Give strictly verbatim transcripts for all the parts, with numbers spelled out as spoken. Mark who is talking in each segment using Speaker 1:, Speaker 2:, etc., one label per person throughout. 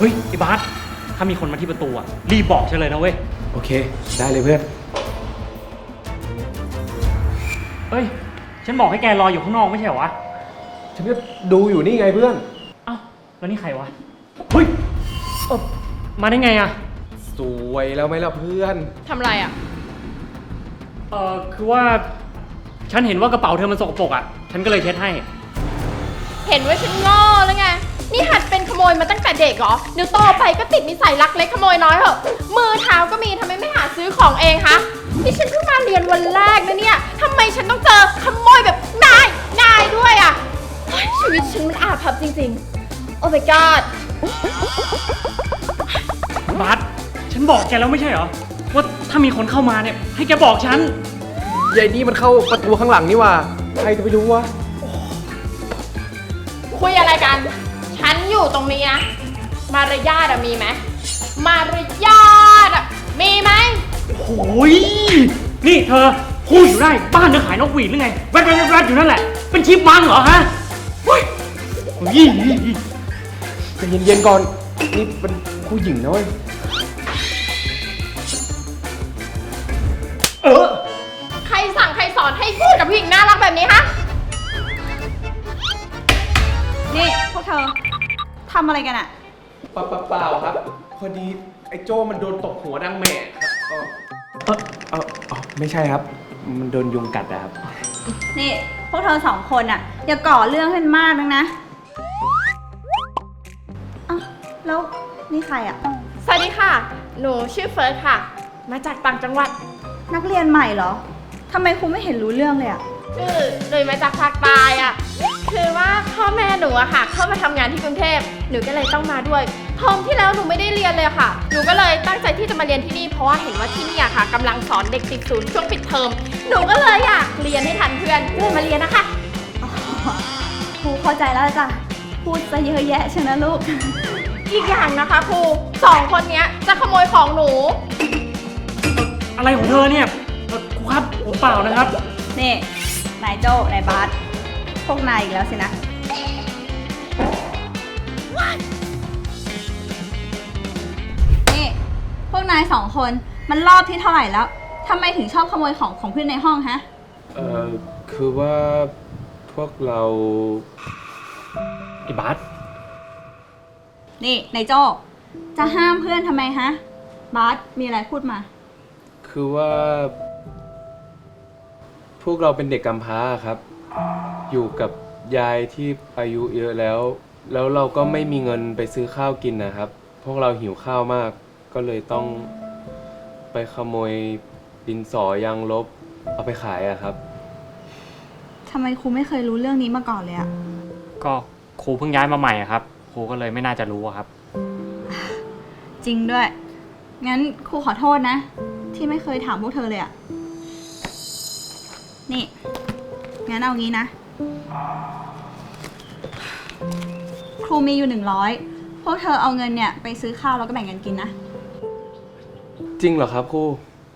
Speaker 1: ฮ้ยไอ้บาสถ้ามีคนมาที่ประตูอ่ะรีบบอกฉันเลยนะเว้ย
Speaker 2: โอเคได้เลยเพื่อน
Speaker 1: เฮ้ยฉันบอกให้แกรออยู่ข้างนอกไม่ใช่เหรอวะ
Speaker 2: ฉันก็ดูอยู่นี่ไงเพื่อน
Speaker 1: เอ้าแล้วนี่ใครวะเฮ้ยเออมาได้ไงอ่ะ
Speaker 2: สวยแล้วไหมล่ะเพื่อน
Speaker 3: ทำไรอ่ะ
Speaker 1: เออคือว่าฉันเห็นว่ากระเป๋าเธอมันสกปรกอ่ะฉันก็เลยเช็ดให้
Speaker 3: เห็นว่าฉันโง่แล้วไงนี่หัดเป็นขโมยมาตั้งแต่เด็กเหรอเดี๋ยวโตไปก็ติดนิสัยลักเล็กขโมยน้อยเหรอมือเท้าก็มีทำไมไม่หาซื้อของเองคะนี่ฉันเพิ่งมาเรียนวันแรกนะเนี่ยทำไมฉันต้องเจอขโมยแบบนายนายด้วยอ่ะชีวิตฉันมันอาภัพจริงๆโอ้ my god
Speaker 1: บาสฉันบอกแกแล้วไม่ใช่เหรอว่าถ้ามีคนเข้ามาเนี่ยให้แกบอกฉัน
Speaker 2: ยายนี่มันเข้าประตูข้างหลังนี่ว่าใครจะไปรู้วะ
Speaker 3: คุยอะไรกันฉันอยู่ตรงนี้นะมารยาทมีไหมมารยาทมีไหม
Speaker 1: โอ้ยนี่เธอพูดอยู่ได้บ้านเธอขายนกหวีดหรือไงแวดแวดแวดอยู่นั่นแหละเป็นชิปมังเหรอฮะเฮ้ย
Speaker 2: ใจเย็นๆก่อนนี่เป็นผู้หญิงนะเว้ย
Speaker 1: เออ
Speaker 3: ใครสั่งใครสอนให้พูดกับผู้หญิงน่ารักแบบนี้ฮะ
Speaker 4: นี่พวกเธอทำอะไรกันอะ
Speaker 2: เปล่าเปล่าครับพอดีไอ้โจ้มันโดนตบหัวดังแม่ครับเออเออเออไม่ใช่ครับมันโดนยุงกัดนะครับ
Speaker 4: นี่พวกเธอสองคนอะอย่าก่อเรื่องให้มันมากนักนะอ้าวแล้วนี่ใครอะ
Speaker 3: สวัสดีค่ะหนูชื่อเฟิร์สค่ะมาจากต่างจังหวัด
Speaker 4: นักเรียนใหม่เหรอทำไมครูไม่เห็นรู้เรื่องเลยอะ
Speaker 3: คือหนูมาจากภาคใต้อะคือว่าพ่อแม่หนูอะค่ะเข้ามาทำงานที่กรุงเทพหนูก็เลยต้องมาด้วยเทอมที่แล้วหนูไม่ได้เรียนเลยค่ะหนูก็เลยตั้งใจที่จะมาเรียนที่นี่เพราะว่าเห็นว่าที่นี่อะค่ะกำลังสอนเด็กติดศูนย์ช่วงปิดเทอมหนูก็เลยอยากเรียนให้ทันเพื่อนเลยมาเรียนนะคะ
Speaker 4: ครูเข้าใจแล้วจ้ะพูดซะเยอะแยะใช่ไหมลูก
Speaker 3: อีกอย่างนะคะครูสองคนนี้จะขโมยของหนู
Speaker 1: อะไรของเธอเนี่ยครูครับผมเปล่านะครับ
Speaker 4: นี่นายโจ้นายบาสพวกนายอีกแล้วสินะนี่พวกนายสองคนมันรอบที่เท่าไหร่แล้วทำไมถึงชอบขโมยของของเพื่อนในห้องฮะ
Speaker 2: เอ่อคือว่าพวกเรา
Speaker 1: ไอ้บาส
Speaker 4: นี่นายโจ้จะห้ามเพื่อนทำไมฮะบาสมีอะไรพูดมา
Speaker 2: คือว่าพวกเราเป็นเด็กกำพร้าครับอยู่กับยายที่อายุเยอะแล้วแล้วเราก็ไม่มีเงินไปซื้อข้าวกินนะครับพวกเราหิวข้าวมากก็เลยต้องไปขโมยดินสอยางลบเอาไปขายอะครับ
Speaker 4: ทำไมครูไม่เคยรู้เรื่องนี้มาก่อนเลยอะ
Speaker 1: ก็ครูเพิ่งย้ายมาใหม่ครับครูก็เลยไม่น่าจะรู้ครับ
Speaker 4: จริงด้วยงั้นครูขอโทษนะที่ไม่เคยถามพวกเธอเลยอะนี่งั้นเอางี้นะครูมีอยู่หนึ่งร้อยพวกเธอเอาเงินเนี่ยไปซื้อข้าวแล้วก็แบ่งกันกินนะ
Speaker 2: จริงเหรอครับครู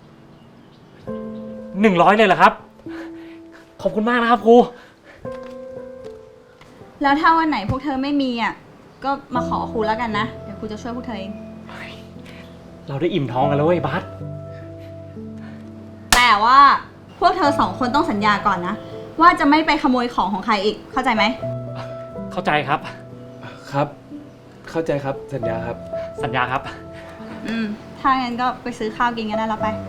Speaker 1: หนึ่งร้อยเลยเหรอครับขอบคุณมากนะครับครู
Speaker 4: แล้วถ้าวันไหนพวกเธอไม่มีอ่ะก็มาขอครูแล้วกันนะเดี๋ยวครูจะช่วยพวกเธอเอง
Speaker 1: เราได้อิ่มท้องกันแล้วเว้ยบาส
Speaker 4: แต่ว่าพวกเธอสองคนต้องสัญญาก่อนนะว่าจะไม่ไปขโมยของของใครอีกเข้าใจไหม
Speaker 1: เข้าใจครับ
Speaker 2: ครับเข้าใจครับสัญญาครับ
Speaker 1: สัญญาครับ
Speaker 4: อืมถ้างั้นก็ไปซื้อข้าวกินกันได้แล้วไป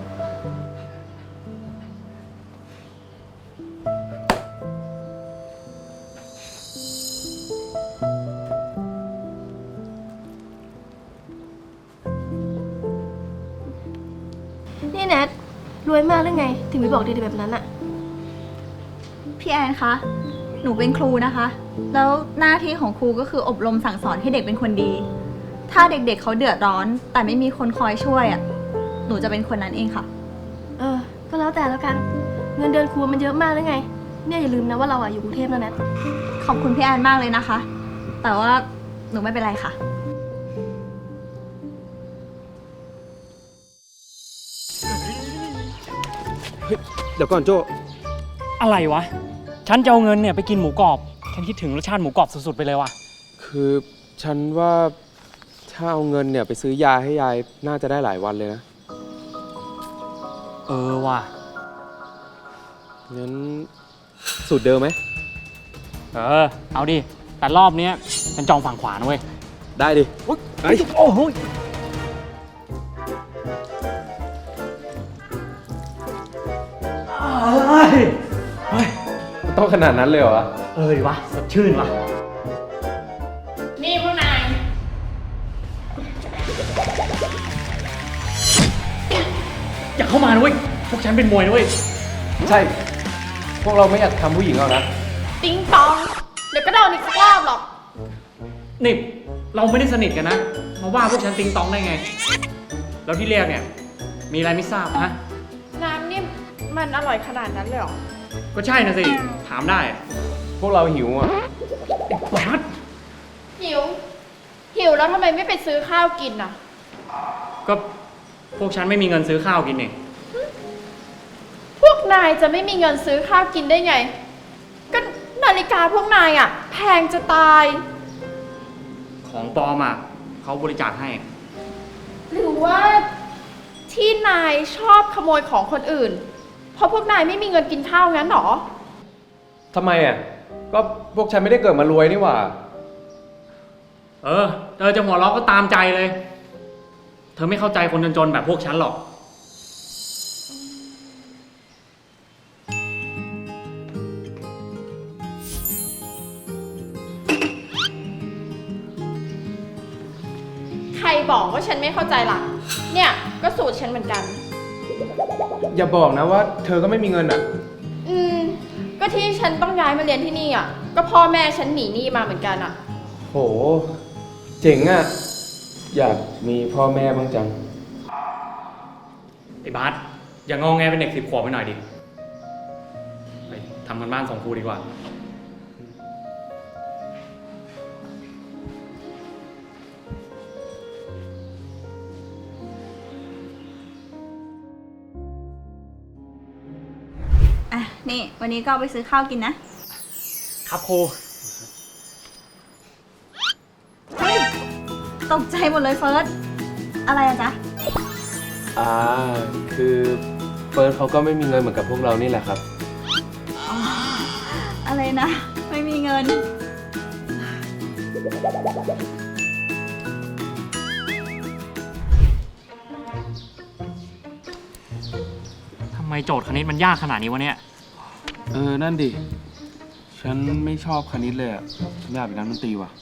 Speaker 3: นี่แนทรวยมากหรือไงถึงไม่บอกดีๆแบบนั้นอะ
Speaker 4: พี่แอนคะหนูเป็นครูนะคะแล้วหน้าที่ของครูก็คืออบรมสั่งสอนให้เด็กเป็นคนดีถ้าเด็กๆ เเขาเดือดร้อนแต่ไม่มีคนคอยช่วยอ่ะหนูจะเป็นคนนั้นเองค่ะ
Speaker 3: เออก็แล้วแต่แล้วกันเงินเดือนครูมันเยอะมากหรือไงเนี่ยอย่าลืมนะว่าเราอะอยู่กรุงเทพแล้วนะ
Speaker 4: ขอบคุณพี่แอนมากเลยนะคะแต่ว่าหนูไม่เป็นไรค่ะ
Speaker 2: เดี๋ยวก่อนโจ้
Speaker 1: อะไรวะฉันจะเอาเงินเนี่ยไปกินหมูกรอบฉันคิดถึงรสชาติหมูกรอบสุดๆไปเลยว่ะ
Speaker 2: คือฉันว่าฉถ้าเอาเงินเนี่ยไปซื้อยาให้ยายน่าจะได้หลายวันเลยนะ
Speaker 1: เออว่ะ
Speaker 2: งั้นสูตรเดิมไหม
Speaker 1: เออ เอาดิ แต่รอบเนี้ยฉันจองฝั่งขวานะเว้ย
Speaker 2: ได้ดิ
Speaker 1: เฮ้ยโอ้โหเฮ้ยเฮ้ย
Speaker 2: มันต้องขนาดนั้นเลยเหรอวะ
Speaker 1: เออดิวะสดชื่นวะ
Speaker 3: นี่พวกนาย
Speaker 1: อย่าเข้ามานะเว้ย พวกฉันเป็นมวยนะเว้ย
Speaker 2: ใช่ พวกเราไม่อยากทำผู้หญิงหรอกนะ
Speaker 3: ติ๊งตอง เดี๋ยวก็โดนอีกสักรอบหรอก
Speaker 1: นี่ เราไม่ได้สนิทกันนะ มาว่าพวกฉันติงตองได้ไง แล้วที่เรียกเนี่ย มีอะไรไม่ทราบฮะ
Speaker 3: น้ำนี่มันอร่อยขนาดนั้นเลยเหรอ
Speaker 1: ก็ใช่นะสิ ถามได้
Speaker 2: พวกเราหิวอ่ะ
Speaker 1: บาส
Speaker 3: หิว หิวแล้วทำไมไม่ไปซื้อข้าวกินอ่ะ
Speaker 1: ก็พวกฉันไม่มีเงินซื้อข้าวกินเอง
Speaker 3: พวกนายจะไม่มีเงินซื้อข้าวกินได้ไง ก็นาฬิกาพวกนายอ่ะ แพงจะตาย
Speaker 1: ของปลอมอ่ะเขาบริจาคให้
Speaker 3: หรือว่าที่นายชอบขโมยของคนอื่น เพราะพวกนายไม่มีเงินกินข้าวงั้นหรอ
Speaker 2: ทำไมอ่ะ ก็พวกฉันไม่ได้เกิดมารวยนี่หว่า
Speaker 1: เออ เธอจะหัวเราะก็ตามใจเลย เธอไม่เข้าใจคนจนๆแบบพวกฉันหรอก
Speaker 3: ใครบอกว่าฉันไม่เข้าใจล่ะ เนี่ยก็สูตรฉันเหมือนกัน
Speaker 2: อย่าบอกนะว่าเธอก็ไม่มีเงินอ่ะ
Speaker 3: อืม ก็ที่ฉันต้องย้ายมาเรียนที่นี่อ่ะ ก็พ่อแม่ฉันหนีหนี้มาเหมือนกันอ่ะ
Speaker 2: โห เจ๋งอ่ะ อยากมีพ่อแม่บ้างจัง
Speaker 1: ไอ้บาสอย่างงอแงเป็นเด็กสิบขวบไปหน่อยดิ ไปทำกันบ้านส่งครูดีกว่า
Speaker 4: อ่ะ นี่วันนี้ก็เอาไปซื้อข้าวกินนะ
Speaker 1: ครับครู
Speaker 4: เฮ้ย ตกใจหมดเลยเฟิร์ส อะไรอะจ๊ะ
Speaker 2: อ่า คือเฟิร์สเขาก็ไม่มีเงินเหมือนกับพวกเรานี่แหละครับ
Speaker 4: อ๋อ อะไรนะ ไม่มีเงิน
Speaker 1: ทำไมโจทย์คณิตมันยากขนาดนี้วะเนี่ย
Speaker 2: เออ นั่นดิ ฉันไม่ชอบคณิตเลยอ่ะ ฉันอยากเป็นนักดนตรีว่ะ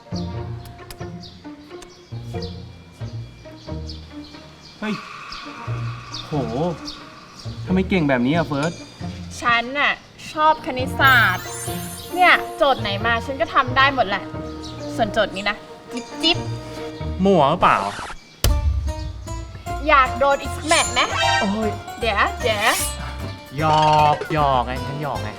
Speaker 2: เฮ้ย โห ทำไมเก่งแบบนี้อ่ะเฟิร์ส
Speaker 3: ฉันน่ะชอบคณิตศาสตร์ เนี่ยโจทย์ไหนมาฉันก็ทำได้หมดแหละ ส่วนโจทย์นี้นะ จิ๊บจิ๊บ
Speaker 1: มั่วหรือเปล่า
Speaker 3: อยากโดนอีกสักแมตช์ไหม
Speaker 1: โอ้ย
Speaker 3: เดี๋ยวเดี๋ยว
Speaker 1: หยอกหยอกไงฉันหยอกไง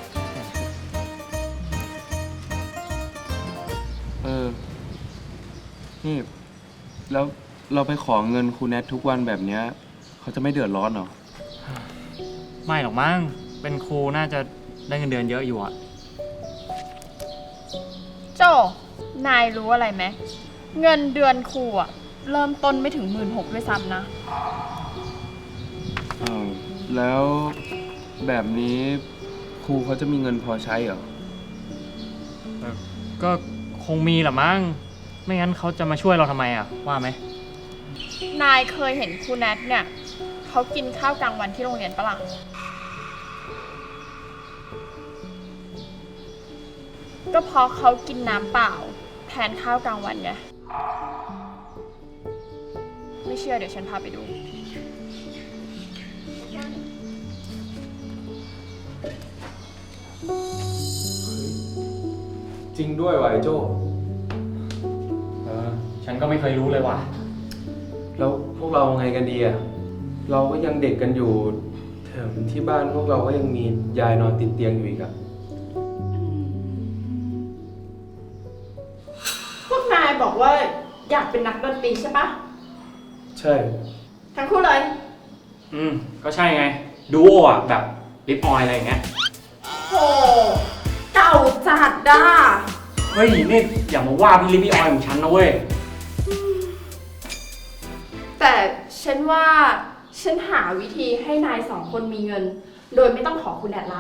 Speaker 2: เออ นี่ แล้วเราไปขอเงินครูแนททุกวันแบบเนี้ยเขาจะไม่เดือดร้อนเหรอ
Speaker 1: ไม่หรอกมั้ง เป็นครูน่าจะได้เงินเดือนเยอะอยู่อะ
Speaker 3: โจ นายรู้อะไรไหม เงินเดือนครูอะเริ่มต้นไม่ถึงหมื่นหกด้วยซ้ำนะ
Speaker 2: อ้าว แล้วแบบนี้ครูเขาจะมีเงินพอใช้เหรอ
Speaker 1: เออก็คงมีแหละมั้ง ไม่งั้นเขาจะมาช่วยเราทำไมอะว่าไหม
Speaker 3: นายเคยเห็นครูแนทเนี่ยเขากินข้าวกลางวันที่โรงเรียนปะล่ะ ก็เพราะเขากินน้ำเปล่าแทนข้าวกลางวันไง ไม่เชื่อเดี๋ยวฉันพาไปดู
Speaker 2: จริงด้วยวะไอ้โจ้
Speaker 1: เออ ฉันก็ไม่เคยรู้เลยว่ะ
Speaker 2: แล้วพวกเราไงกันดีอ่ะ เราก็ยังเด็กกันอยู่แถมที่บ้านพวกเราก็ยังมียายนอนติดเตียงอยู่อีกอ่ะ
Speaker 3: พวกนายบอกว่าอยากเป็นนักดนตรีใช่ปะ
Speaker 2: ใช่
Speaker 3: ทั้งคู่เลย
Speaker 1: อืม ก็ใช่ไง ดูโออะแบบลิปออยอะไรอย่างเงี้ย
Speaker 3: โห เก่าจัดด้า
Speaker 1: เฮ้ย นี่อย่ามาว่าพี่ลิปออยของฉันนะเว้ย
Speaker 3: ฉันว่าฉันหาวิธีให้นายสองคนมีเงิน โดยไม่ต้องขอคุณแดดละ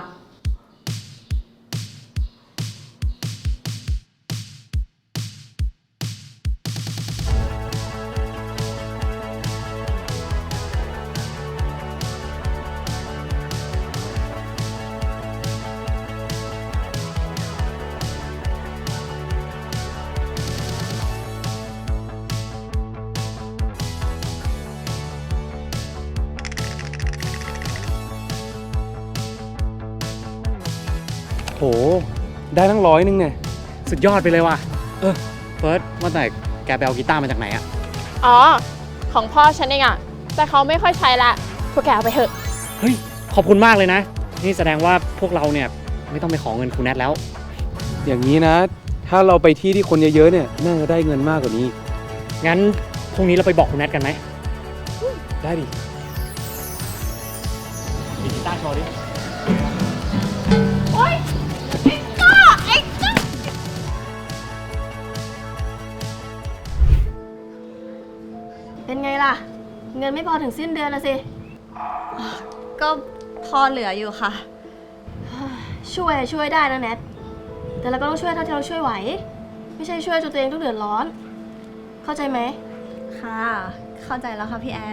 Speaker 2: โห ได้ทั้งร้อยนึงเนี่ย
Speaker 1: สุดยอดไปเลยว่ะ เออเฟิร์สว่าแต่แกไปเอากีตาร์มาจากไหนอะ
Speaker 3: อ๋อ ของพ่อฉันเองอะแต่เขาไม่ค่อยใช้ละพวกแกเอาไปเถอะ
Speaker 1: เฮ้ย ขอบคุณมากเลยนะ นี่แสดงว่าพวกเราเนี่ยไม่ต้องไปขอเงินครูแนทแล้ว
Speaker 2: อย่างนี้นะ ถ้าเราไปที่ที่คนเยอะๆเนี่ยน่าจะได้เงินมากกว่านี้
Speaker 1: งั้นพรุ่งนี้เราไปบอกครูแนทกันไหม
Speaker 2: ได้ดิ
Speaker 1: มีกีตาร์โชว์ดิ
Speaker 3: โอ๊ย ไอ้ก้าไอ้ก้า
Speaker 5: เป็นไงล่ะ เงินไม่พอถึงสิ้นเดือนละสิ
Speaker 4: ก็พอเหลืออยู่ค่ะ
Speaker 5: ช่วยช่วยได้นะแนทแต่เราก็ต้องช่วยเท่าที่เราช่วยไหว ไม่ใช่ช่วยจนตัวเองต้องเดือดร้อน เข้าใจไหม
Speaker 4: ค่ะ เข้าใจแล้วค่ะพี่แอน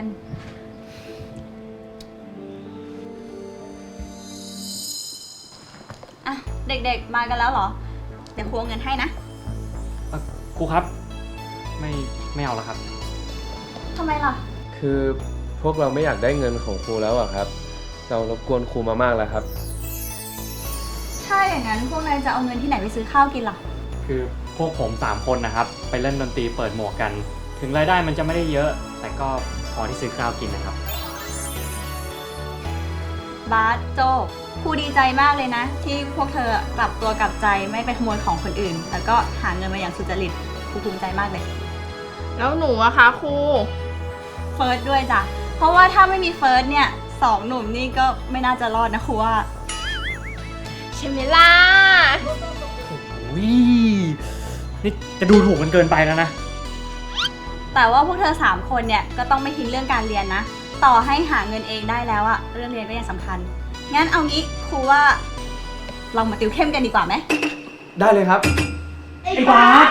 Speaker 4: อ่ะ เด็กๆ มากันแล้วเหรอ เดี๋ยวครูเอาเงินให้นะ
Speaker 1: ครูครับ ไม่ไม่เอาแล้วครับ
Speaker 4: ทำไมล่ะ
Speaker 2: คือพวกเราไม่อยากได้เงินของครูแล้วอะครับ เรารบกวนครูมามากแล้วครับ
Speaker 4: ถ้าอย่างนั้นพวกนายจะเอาเงินที่ไหนไปซื้อข้าวกินล่ะ
Speaker 1: คือพวกผมสามคนนะครับ ไปเล่นดนตรีเปิดหมวกกัน ถึงรายได้มันจะไม่ได้เยอะ แต่ก็พอที่ซื้อข้าวกินนะครับ
Speaker 4: บาสโจครูดีใจมากเลยนะ ที่พวกเธอกลับตัวกลับใจไม่ไปขโมยของคนอื่น แล้วก็หาเงินมาอย่างสุจริตครูภูมิใจมากเลย
Speaker 3: แล้วหนูอะคะครู
Speaker 4: เฟิร์สด้วยจ้ะ เพราะว่าถ้าไม่มีเฟิร์สเนี่ยสองหนุ่มนี่ก็ไม่น่าจะรอดนะครูว่า
Speaker 3: ใช่ไหมล่ะ
Speaker 1: อุ้ยนี่จะดูถูกกันเกินไปแล้วนะ
Speaker 4: แต่ว่าพวกเธอสามคนเนี่ยก็ต้องไม่ทิ้งเรื่องการเรียนนะ ต่อให้หาเงินเองได้แล้วอะเรื่องเรียนก็ยังสำคัญ งั้นเอางี้ครูว่าลองมาติวเข้มกันดีกว่าไหม
Speaker 2: ได้เลยครับ
Speaker 1: ไอ้บาส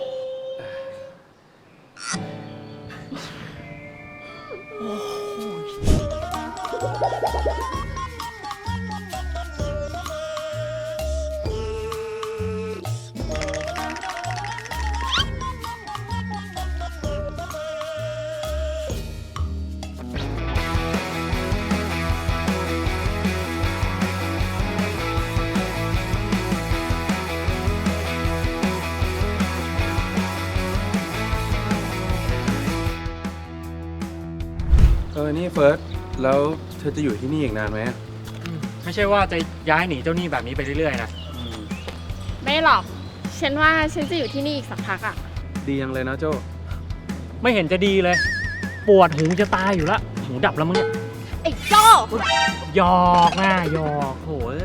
Speaker 2: เออ นี่เฟิร์ส แล้วเธอจะอยู่ที่นี่อีกนานไหมอะ
Speaker 1: ไม่ใช่ว่าจะย้ายหนีเจ้าหนี้แบบนี้ไปเรื่อยๆนะ
Speaker 3: ไม่หรอก ฉันว่าฉันจะอยู่ที่นี่อีกสักพักอะ
Speaker 2: ดียังเลยนะโจ
Speaker 1: ไม่เห็นจะดีเลย ปวดหูจะตายอยู่ละหูดับแล้วมึงเนี่ย
Speaker 3: ไอ้โจ้
Speaker 1: หยอกนะหยอกโหย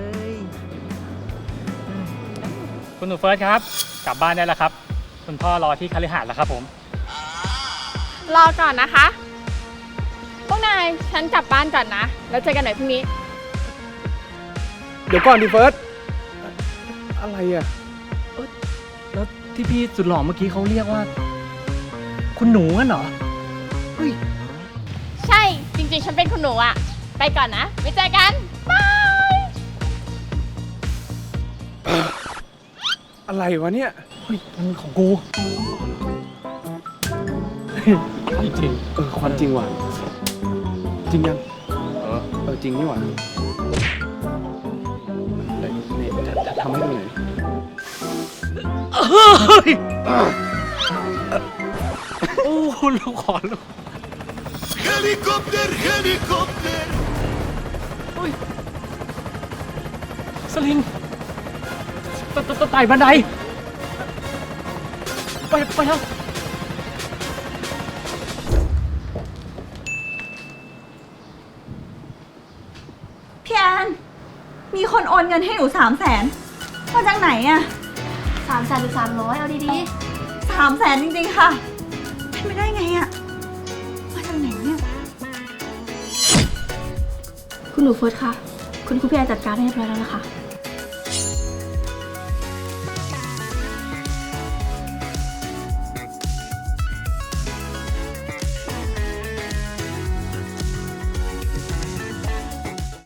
Speaker 1: คุณหนูเฟิร์สครับ กลับบ้านได้แล้วครับ คุณพ่อรอที่คฤหาสน์แล้วครับผม
Speaker 3: รอก่อนนะคะ พวกนายฉันกลับบ้านก่อนนะ แล้วเจอกันหน่อยพรุ่งนี้
Speaker 2: เดี๋ยวก่อนดิเฟิร์ส อะไรอะ
Speaker 1: แล้วที่พี่สุดหล่อเมื่อกี้เขาเรียกว่า คุณหนูงั้นเหรอ
Speaker 3: ใช่ จริงๆ ฉันเป็นคุณหนูอะไปก่อนนะ ไว้เจอกัน บาย
Speaker 2: อะไรวะเนี่ย
Speaker 1: เฮ้ยมันของกู จริง
Speaker 2: เออ ความจริงว่ะ จริงยัง เออ เออ จริงนี่หว่าไหนนี่จะจะทำให้ดูหน่อย
Speaker 1: โอ้ลูกขอลูก
Speaker 6: Helikopter, helikopter.
Speaker 1: สลิงตตตไต่บันได ไปไปแล้ว
Speaker 4: พี่แอน มีคนโอนเงินให้หนูสามแสนมาจากไหนอะ
Speaker 5: สามแสนหรือสามร้อยเอาดี
Speaker 4: สามแสนจริงๆค่ะเป็นไปได้ไงอะมาจากไหนเนี่ย
Speaker 5: ๆคุณหนูเฟิร์สคะคุณครูพี่แอนจัดการให้เรียบร้อยแล้วนะคะ